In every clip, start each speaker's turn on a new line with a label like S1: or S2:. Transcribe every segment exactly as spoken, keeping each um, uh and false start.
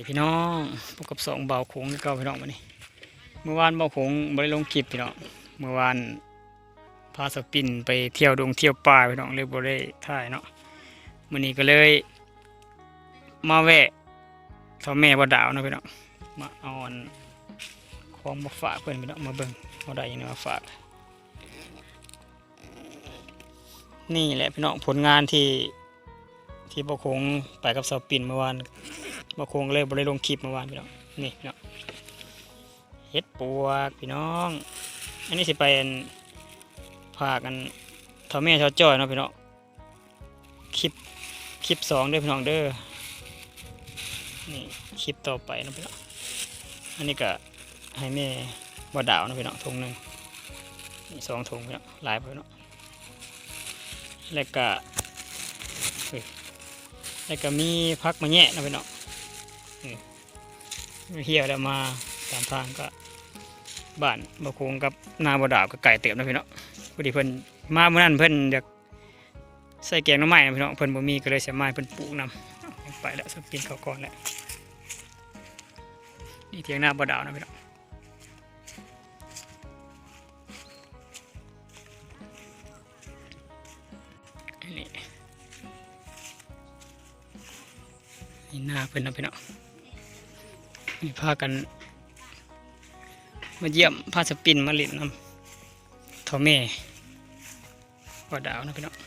S1: พี่น้องพบกับสองเบาโขงเก่าพี่น้องวันนี้เมื่อวานเบาโขงบริลงคลิปพี่น้องเมื่อวานพาสปินไปเที่ยวดงเที่ยวป่าพี่น้องเลยบริถ่ายเนาะวันนี้ก็เลยมาแวะทอแม่บ่ดาวนะพี่น้องมาเอาของมาฝากเพื่อนพี่น้องมาเบิ่งเอาได้ยังไงมาฝากนี่แหละพี่น้องผลงานที่ที่เบาโขงไปกับสปินเมื่อวานบางคงเลยบริลงคลิปเมื่อวานพี่น้องนี่เนาะเฮ็ดปวกพี่น้องอันนี้สิไปพากันเท่าแม่เท่าจ้อยเนาะพี่น้องคลิปคลิปสองเด้อพี่น้องเด้อนี่คลิปต่อไปนะพี่น้องอันนี้ก็ให้แม่บ่ดาวนะพี่น้องถุงหนึ่งนี่สองถุงพี่น้องหลายพี่น้องแล้วก็แล้วก็มีพักมาแย่นะพี่น้องเฮียแล้วมาตามทางก็บ้านบะโคงกับนาบดาวก็ไก่เติมนะพี่น้องพอดีเพิ่นมาเมื่อนั้นเพิ่นอยากใส่แกงน้ำไม้นะพี่น้องเพิ่นบ่มีก็เลยเสียไม้เพิ่นปลูกนำไปแล้วสกินเขาก่อนแล้วนี่เทียงนาบดาวนะพี่น้องนี่นี่หน้าเพิ่นนะพี่น้องมีพากันมาเยี่ยมพาสปินมาเล่นน้ำทอแม่บ่ดาวนะพี่น้อง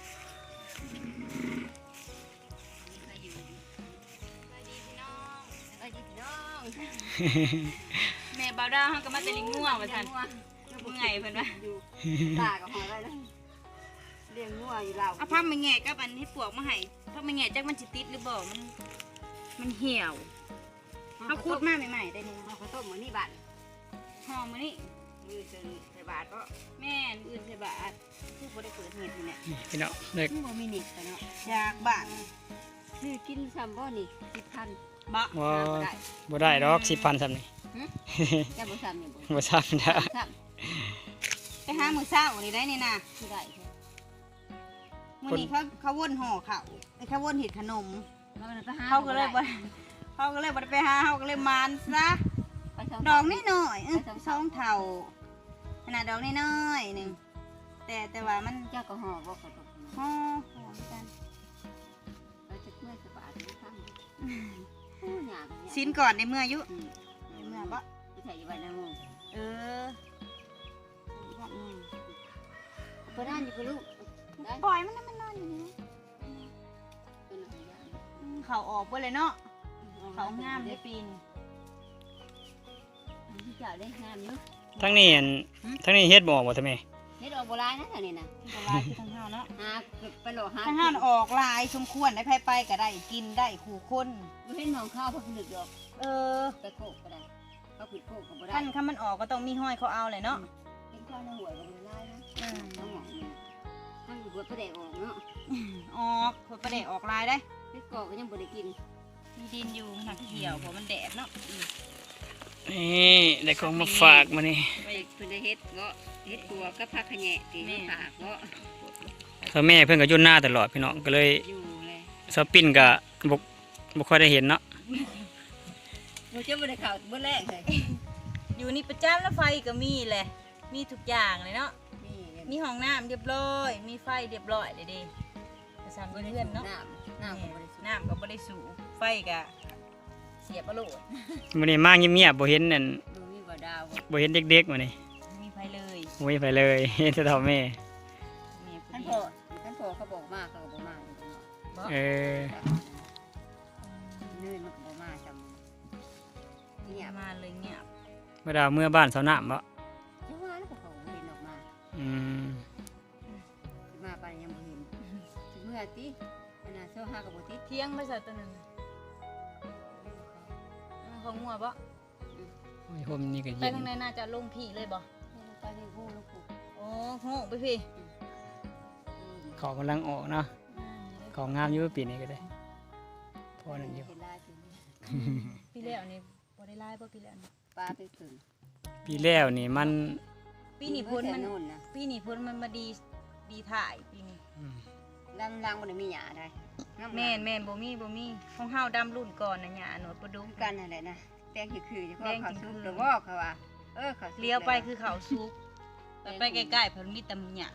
S2: แม่บ่าวดาวเขาก็มาแต่ลิงง่วงว่าท่านเมื่อไงเพิ่นว่า
S3: ตากับหอยได้แล้วเลี้ยงงัวอยู่เรา
S2: เอาผ้ามาแง่กับอันให้ปวกมาให้ผ้ามาแง่จักมันสิติดหรือบ่มันมันเหี่ยวเขาคูดมาใหม่ๆได้นี่
S3: เอาข้าวต้มมื้อนี้บัด
S2: หอมมื้อนี้
S3: มือเชิญใส่บาทก็
S2: แม่นอื่นใส่บาทคือบ่ได้เปิดเฮ็ดนี่แหละ
S1: นี่พี่น้องเล็ก
S3: บ่มีนิดเนาะ
S2: อยากบ้าน
S3: ซื้อกินซ้ำบ่นี่สิบพัน
S2: บ่
S1: ว่าบ่ได้ดอกสิบพันซ้ำนี่
S3: จะบ่ซ้ำนี่บ่
S1: บ่ซ้ำนะ
S3: ซ้
S2: ไปหามื้อเช้านี่ได้นี่นะ
S3: ำที่ได้ค่ะ
S2: มื้อนี้เขาเขาวนห่อข้าวไอ้เขาวนเฮ็ดขนม
S3: มันไปหา
S2: เขาก็เลยบ่เขาก็เลยบ่ได้ไปหาเขาก็เลยมานซะ
S3: ไปสง
S2: ดอกนิดหน่อยเออสองเท่าขนาดดอกนิดหน่อยหนึ่งแต่แต่ว่ามัน
S3: เจ้าก็ห่อบ่ข้าวต้ม
S2: ห่อห่อเหมือนกัน
S3: ไปจะเมื่อยสบายซ้ำโอ้ยาก
S2: ชิ้นก่อนในเมื่ออายุ
S3: อืม
S2: ในเมื่อบ่
S3: ไปใส่อยู่ไว้ในมือ
S2: เออ
S3: เพิ่นอ่านอยู่กับลูกได้
S2: ปล่อยมันนะมันนอนอยู่นี่
S3: เป็นอะไรอย่าง
S2: อืมเขาออกไปเลยเนาะเขางามในปีน
S3: ที่เจ้าได้งามอยู่
S1: ทั้งนี้อันทั้งนี้เฮ็ดบ่ออกบ่ทำไม
S3: เฮ็ดออกบ่หลายนะเท่านี้น่ะ
S2: โบราณที่ทั้งห้าเนาะ
S3: หาไปหลอกหา
S2: ทั้งห้าออกลายสมควรได้ไผไปก็ได้กินได้ขู่คน
S3: บ่เห็นหมองข้าวเพิ่นนึกดอก
S2: เออ
S3: ไปโคกก็ได้เขาผิดโคกก็บ่ได้
S2: ขั้นขั้นมันออกก็ต้องมีห้อยเขาเอาเลยเนาะ
S3: เป็นข้าวในหัวก็บ่ได้นะ
S2: อืม
S3: ต้องหมองนี่ทั้งหัวประเดะออกเนาะ
S2: ออกผลประเดะออกลายได้
S3: พี่กอกก็ยังบ่ได้กิน
S2: มีดินอยู่หนักเขียวเพราะมันแดดเนาะ
S1: นี่ได้ของมาฝากมานี่
S3: ไปเพิ่นได้เฮ็ดเงาะเฮ็ดตัวกับผักขะแหน่ที่ให้ฝากเงาะ
S1: ถ้าแม่เพิ่นก็อยู่หน้าตลอดพี่น้องก็เลย
S3: อยู่เลย
S1: สปินก็บ่บ่ค่อยได้เห็นเนาะ
S3: บ่จะบ่ได้เข้าบ่แรกเลย
S2: อยู่นี่ประจำแล้วไฟก็มีแหละมีทุกอย่างเลยเนาะ
S3: นี่
S2: มีห้องน้ำเรียบร้อย มีไฟเรียบร้อยเลยเดิประสานเพื่อนเนาะ
S3: น้ำน้ำก็บ่ได้สูบ
S2: น้ำก็บ่ได้สูบไฟก็เสียบประโลด
S1: มื้อนี้มาเงียบๆบ่เห็นนั่น
S3: ดูมีบ่ดาวบ่
S1: บ่เห็นเด็กๆมื้อนี้
S2: ไม่มีไฟเลย
S1: บ่มีไปเลย เห็นแต่เท่าแม่
S2: แม่
S3: ท่าน
S2: ผู้
S3: พ่
S2: เดียว
S3: อท่านพ่อเขาบอกมาเขาก็บ่มาอยู่เนาะ
S1: เออ
S3: เนื่อยมันก็บ่มาจำ
S2: เนี่
S3: เนี่ย ย
S2: มาเลยเงียบ
S1: บ่ดาวเมื่อบ้านเสาน้ำบ่
S3: จังว่าแล้วก็เขาเห็นออกมา
S1: อืม
S3: มาไปยังบ่เห็นสิเมื่อติอันน่ะเช้าหาก็บ่ติด
S2: เที่ยงไม่ใส่ตัวนั้นน่ะเอาของงัวบ่
S1: โอ้ยผมนี่ก็
S2: ไป
S1: เย็น
S2: ทางไหนน่าจะลงพี่เลยบ่
S3: ไปในหูลูกกู
S2: โอ้โหไปพี่
S1: เขากำลังออกเนาะของงามอยู่ปีนี้ก็ได้พอนั่นอยู่
S3: เป็นลายเป็น
S2: พี่แล้วนี่บ่ได้ไล่บ่พี่แล้วนี่
S3: ปลาไปผึ่ง
S1: ปีแล้วนี่มัน
S2: ปีนี้พ้นมัน
S3: โน่นนะ
S2: ปีนี้พ้นมันมาดีดีถ่ายปีนี้
S1: อืม
S3: ลังลังบ่ได้มีหญ้าได้
S2: แม่นแม่นบ่มีบ่มีของเฮาดำรุ่นก่อนน่ะหญ้าหนวดประดุก
S3: กันนั่นแหละนะแป้งคือๆจะพ่อ
S2: แป้ง
S3: เขา
S2: คือ
S3: ซุป
S2: ๆ
S3: หรือว่าเขาว่าเออเขาซุป
S2: เลี้ยวไปคือเขาซุกแต่ไปใกล้ๆเพิ่นมีแต่หญ้า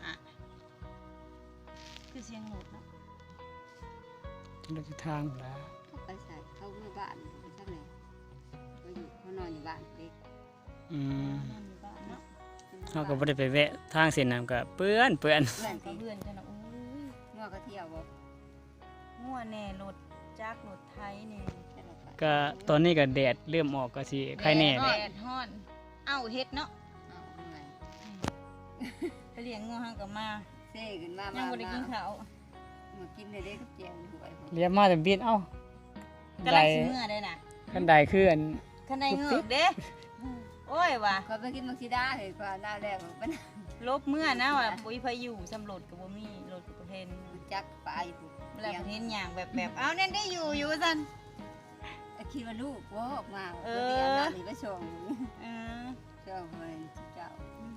S2: คือเสียงรถเนาะ
S1: ที่เราจะทางแล้ว
S3: เขาไปใส่เข้าเมื่อบ้านไปทางไหนเขาอยู่เขานอนอยู่บ้านเด็ก
S1: อืม
S2: นอนอยู่บ้านเนาะ
S1: เขาก็บ่ได้ไปแวะทางเส้นนั้นก็เปื้อนเปื้อน
S3: เพื่อน
S2: ก็
S3: ที่
S2: เพื่อนกันเนาะโอ้ย
S3: งัวก็เที่ยวบ่
S2: งัวแน่รถจักรรถไถแน่
S3: แต่เราไป
S1: ก็ตอนนี้ก็แดดเริ่มออกก็สิใครแน่
S2: แด
S1: เลย
S2: ดฮ้อนเอ้าเฮ็ดเนาะ
S3: เอาเมื่อย
S2: ไปเลี้ยงงัวเฮาก็มา
S3: เซ่ขึ้นมา
S2: ยั
S3: มาง
S2: บ่ได้กินข้าว
S3: มากินได้เด็กกับเจียวหวย
S1: เรียบมาแต่บินเอ้า
S2: กำลังสิเมื่อได้น่ะ
S1: คันใดคืออัน
S2: คันใดเงือกเด้โอ้ยว่ะ
S3: เขาไปกินมักซิดาเห็นกว่าหน้าแรกมัน
S2: ลบเมื่อนะว่ะปุ้ยพายุสำรวจก็บ่มีรถก็บ่เห็น
S3: จักปลาอยู่
S2: เวลาประเทศอย่างแบบแบบเอาเน่นได้อยู่อยู่สัน
S3: คิดว่าลูกว่าออกมา
S2: เอ
S3: เดี๋
S2: อ
S3: ยวหน้านี่ไปส่ง
S2: เออ
S3: ส่งเพิ่นเจ้า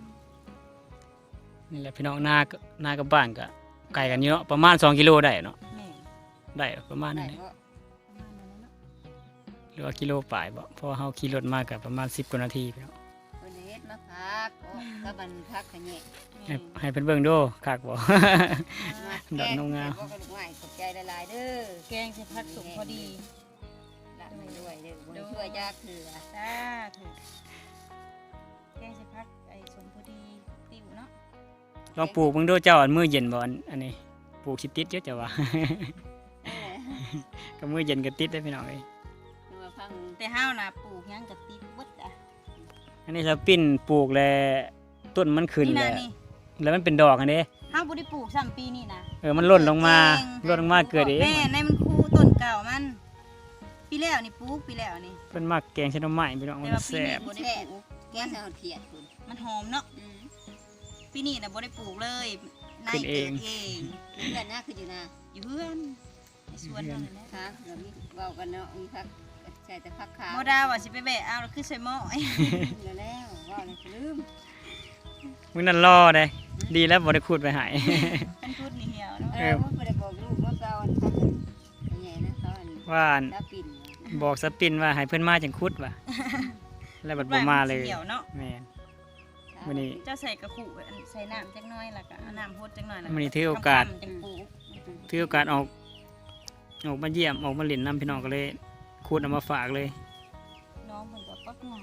S1: นี่แหละพี่น้องนาก็นากับบ้านก็ไกลกันเยอะประมาณสองกิโลได้เนาะ
S2: แม่
S1: ได้ประมาณ
S3: ได้
S1: นั้นแหละ
S3: บ่
S2: ประมาณนั้นเนาะ
S1: หรือว่ากิโลปลายบ่เพราะว่าเฮาขี่รถมาก็ประมาณสิบกว่านาทีพี่น้อง
S3: เพิ่นเฮ็ดมาพักโอ้ก็มันพักขะแยะ
S1: ให้
S2: แม่
S1: ให้เพิ่นเบิ่งดูคักบ่
S3: มา
S1: ดอกนงงาม
S3: แกบ่กระดูกไม้ขอบใจหลายๆเด้อ
S2: แกงใส่ผักสุกพอดี
S3: ละไม่ด้วยเด้อบ่ได้ช่วยยากคือ
S2: จ้าถูกแกงใส่ผักไอ้สมพอดีติวเนาะ
S1: ลองปลูกเบิ่งดูเจ้าอันมื้อเย็นบ่อันอันนี้ปลูกสิติดเยอะจ้ะว่า
S3: เออ
S1: ก็มื้อเย็นก็ติดได้พี่น้องเอ้ย
S3: มาฟัง
S2: แต่เฮาน่ะปลูกหยังก็ติดเบิดอ่ะ
S1: อันนี้ถ้าปิ้นปลูกแล้วต้นมันขึ้น
S2: นี่
S1: แล้
S2: นะ
S1: ว
S2: นี่
S1: แล้วมันเป็นดอกอันนี้
S2: เฮาบ่ได้ปลูกซ้ำปีนี้นะ
S1: เออมันหล่นลงมา
S2: เก่ง
S1: หล่นลงมาเกิดเอง
S2: แม่ในมันคู่ต้นเก่ามัน ปีแล้วนี่ปลูกปีแล้วนี่
S1: เพิ่นมักแกงใส่หน่อไม้พี่น้อง
S2: แต่
S1: มัน
S2: ว่าปี
S1: แซ่บ
S2: นี้บ่ได้
S3: แท้
S2: ปลูก
S3: แกงใส่หอดเขียดคุณ
S2: มันหอมเนาะ
S3: อืม
S2: ปีนี้น่ะบ่ได้ปลูกเลยนาย
S1: ขึ้นเอ
S2: เกิ
S1: ง
S2: ดเอง
S3: เพื่อนน่าคืออยู่นะ
S2: อยู่เพื่อนในสวนเท่านั้นแหละ
S3: ค่ะเรามีเว้ากันเนาะมีพักใส่แต่พักขาว
S2: โมดาว่าสิไปแบะเอาแล้วคือใส่หม้อ
S3: เหลือแล้วเว้าเลยลืม
S1: มื้อนั้นรอได้ดีแล้วบ่ได้ขุดไปหาย
S2: ท่านพูดนี่เหี่ยวเนาะ
S3: เออมันบ่ได้บอกลูกว่าเก่าอันพักอันใหญ่นะเขาอัน
S1: ว่าอัน
S3: ตาปิ่น
S1: บอกสปินว่าให้เพิ่นมาจังขุดว่ะ แล้วบัดบ่มาเลย
S2: เหี่ยวเนาะ
S1: แม่น มื้อนี้
S2: เจ้าใส่กระขุอันใส่น้ำจักหน่อยแล้วก็เอาน้ำพดจักหน่อยแล้ว
S1: มื้อนี้ถือโอกาส
S2: ทำๆจังปลูก
S1: ถือโอกาสออกออกมาเยี่ยมออกมาเล่นนํพี่น้องก็เลยขุดเอามาฝากเลย
S2: น้องเพิ่นก็ปักงาน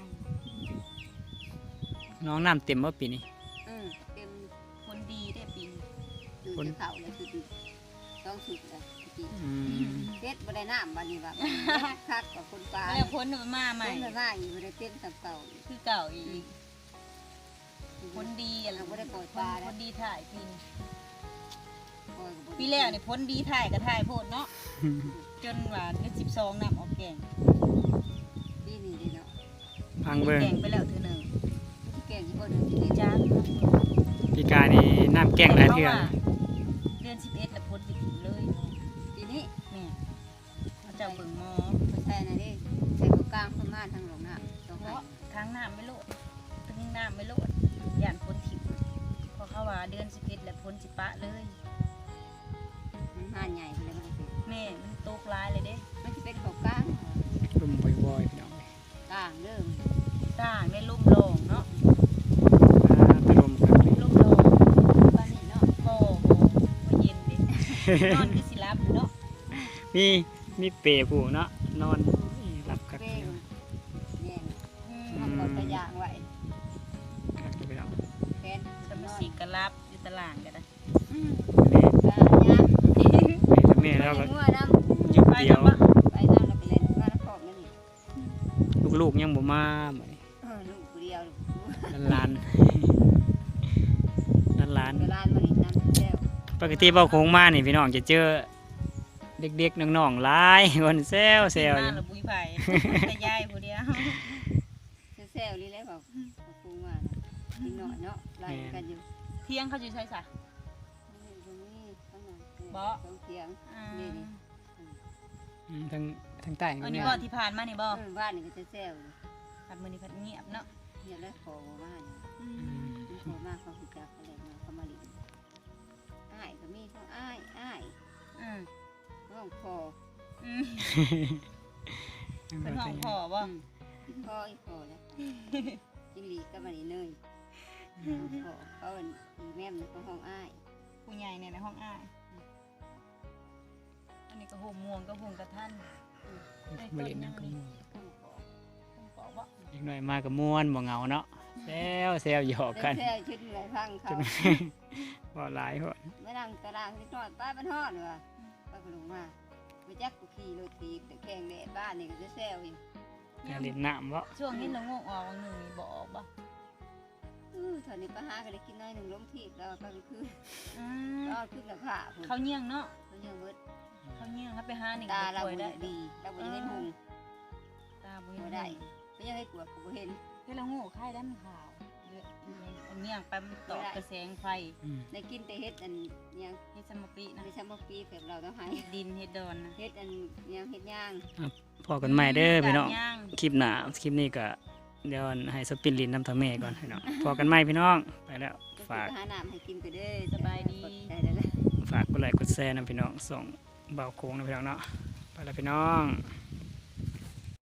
S1: น้องน้ำเต็มบ่ปีนี้
S3: อืมเต็ม
S2: คนดีได้ปีนี้
S3: ดูจะเข่าเลยคือต้องสุดเลยจริง
S1: อืม
S3: เฮ็ดบ่ได้น้ำบัดนี้ว่าคักกับคนปลา
S2: แล้วพ้นมันมาใหม่
S3: คนมาอีกบ่ได้เต็มกับเก่า
S2: คือเก่าอีกคนดีอะ
S3: เราบ่ได้ปล่อย
S2: ค
S3: ปลาน แล้
S2: คว นดีถ่ายปีนี้
S3: ปล่อยก็บ่ได้
S2: ปีแล้วนี่พ้นดีถ่ายก็ถ่ายโพดเนาะจนว่าเดือนสิบสองน้ำออกแกง
S3: ปีนี้เด้เนาะ
S1: พังเบิ่ง
S2: แกงไปแล้วเทื่อหนึง
S3: ที่แกงที่บ่เดินที่
S2: จ้า
S1: ปีกายนี่น้ำแกงหลายเทื่อ
S2: เดือนสิบเอ็ดแล้วพ้นไปถึงเลย
S3: ปีนี้
S2: แม่เขาเจ้าเบิ่งหมอ
S3: บ่ใช่นะเด้ใส่บ่กลางประมาณทางหลงน้ำต้อง
S2: เพ
S3: ให้
S2: ราะทางน้ำไม่โลดทางน้ำไม่โลดย่านพ้นถิ่มเพราะเขาว่าเดือนสิบเอ็ดแล้วพ้นสิปะเลย
S3: มันหานใหญ่ไปเลยมันสิ
S2: แม่มันตกหลายเลยเด้
S3: มันสิเป็นของกลาง
S1: ลุ่มบ่อยๆพี่น้องเอ้ย
S3: กลางเด้อ
S2: ต่างได้ลุ่มโลงเนาะ
S1: อ่าตะลมครับ
S2: ลุ่มโลง
S3: บ้านนี้เนาะ
S2: โอ้โหบ่เย็นเด้ นอนคือสิรับอยู่เนาะ
S1: มีมีเปรผู้เนาะนอนรับคัก
S3: เป้งเนี่ย
S2: อืม
S3: มันกดกระยางไว้
S1: คักพี่น้อง
S3: แฟน
S2: สมสิกรับอยู่ตลาดกันนะ
S3: อืม
S1: นี่
S3: กะยาง
S1: แม่แล้วก็
S3: งัวน้
S1: อยู่เดียว
S3: ำไปน้ำแล้วไปเล่นมาแล้วขอบนั่นนี่
S1: ลูกๆยังบ่มามื้อนี้
S3: เออลูกผู้เดียว
S1: หลานๆหลาน
S3: เวลามาอีกน้ำแก้ว
S1: ๆปกติเว้าโค้งมานี่พี่น้องจะเจอเด็กๆน้องๆหลายคนแซวแซว
S2: มา
S1: อยู่
S2: แล้วบุยไผ่แต่ยายผู้เดียว
S3: แซวๆนี่แหละบอกเขาปรุงมากินหน่อยเนาะไล่กันอยู่
S2: เที่ยงเขาอยู่ใช่สะ
S3: นี่ตรงนี้ข้างหลัง
S2: บ่
S3: ตรงเตียง
S2: อ่า
S3: นี่นี่
S1: อืมทางทางใต้
S2: อัน
S1: นี่
S2: นี้
S1: แม่
S2: บ่ที่ผ่านมานี่บ่
S3: เออบ้านนี่ก็จะแซวอยู่
S2: ผัดมื้อนี้ผัดเงียบเนาะ
S3: เนี่ยแล้วขอมาเนี่ย
S1: อืม
S3: ขอมาเขาคือจักเขาเลยมาเขามาลินอ้ายก็มีเขาอ้ายอ้าย
S2: อืม
S3: ห้องพอ
S2: อืมเป็นห้องพ่อบ่
S3: อืมพออีพอแล้วจิงหลีก็มานี่เนยพอเขาเป็นอีแม่มก็ห้องอ้าย
S2: ผู้ใหญ่เนี่ยในห้องอ้ายอันนี้ก็โฮมม่วงก็โฮมกระทัน
S1: บ่เล่นน้ำก็ม่วน
S3: ห้องพอ
S2: ห้องปอบ่
S1: อีกหน่อยมาก็ม่วนบ่เหงาเนาะแซวแซวหยอกกัน
S3: แท้ชุดไหลพังเขา
S1: บ่หลายพอ
S3: ไม่นั่งตารางนิดหน่อยป้าบ้านฮอดเลยว่ะป้าก็ลงมาไปจักกูขี่รถตีแต่แข่งแดดบ้านนี่ก็จะแซวอยู่
S1: อย่าเล่นน้ำบ่
S2: ช่วงนี้เรางงออกวันหนึ่งนี่บ่ออกบ่
S3: อื้อตอนนี้ป้าหาก็ได้กินน้อยหนึ่งล้มทีบแล้วก็คือ
S2: อืม
S3: ก็ขึ้นกับผ้าพุ่น
S2: เขาเยี่ยงเนาะ
S3: เขายังเบิด
S2: เขาเยี่ยงเขาไปหาหนึ่ง
S3: ตาเรา
S2: ป่วย
S3: บ่
S2: ได้
S3: ดีเราบ่ยังเห็นหุง
S2: ตาบ่
S3: บ่
S2: เห็น
S3: ได้
S2: ได้
S3: ไม่ยังให้กวดก็บ่เห็น
S2: ให้เราโง่ไข่ได้มันขาวเยอะอันเยี่ยงไปมันตอกกระแสงไฟ
S1: อืม
S3: ได้กินแต่เฮ็ดอันยัง
S2: เฮ็ดสมปีนะ
S3: ไม่ใช่มาปีแบบเราต้องหา
S2: เฮ็ดดินเฮ็ดดอนนะ
S3: เฮ็ดอันยังเฮ็ดย่าง
S1: พอกันใหม่เด้อพี่น้อง
S2: ย่าง
S1: คลิปหน้าคลิปนี้ก็เดี๋ยวให้สปินลินน้ำทะเมก่อนพี่น้องพอกันใหม่พี่น้องไปแล้ว
S3: ก็
S1: ฝาก
S3: หาน้ำให้กินก็เด้อ
S2: สบายดี
S3: ได้ได้ได้
S1: ฝากกดไลค์กดแชร์นะพี่น้องส่งเบาโค้งนะพี่น้องเนาะไปแล้วพี่น้อง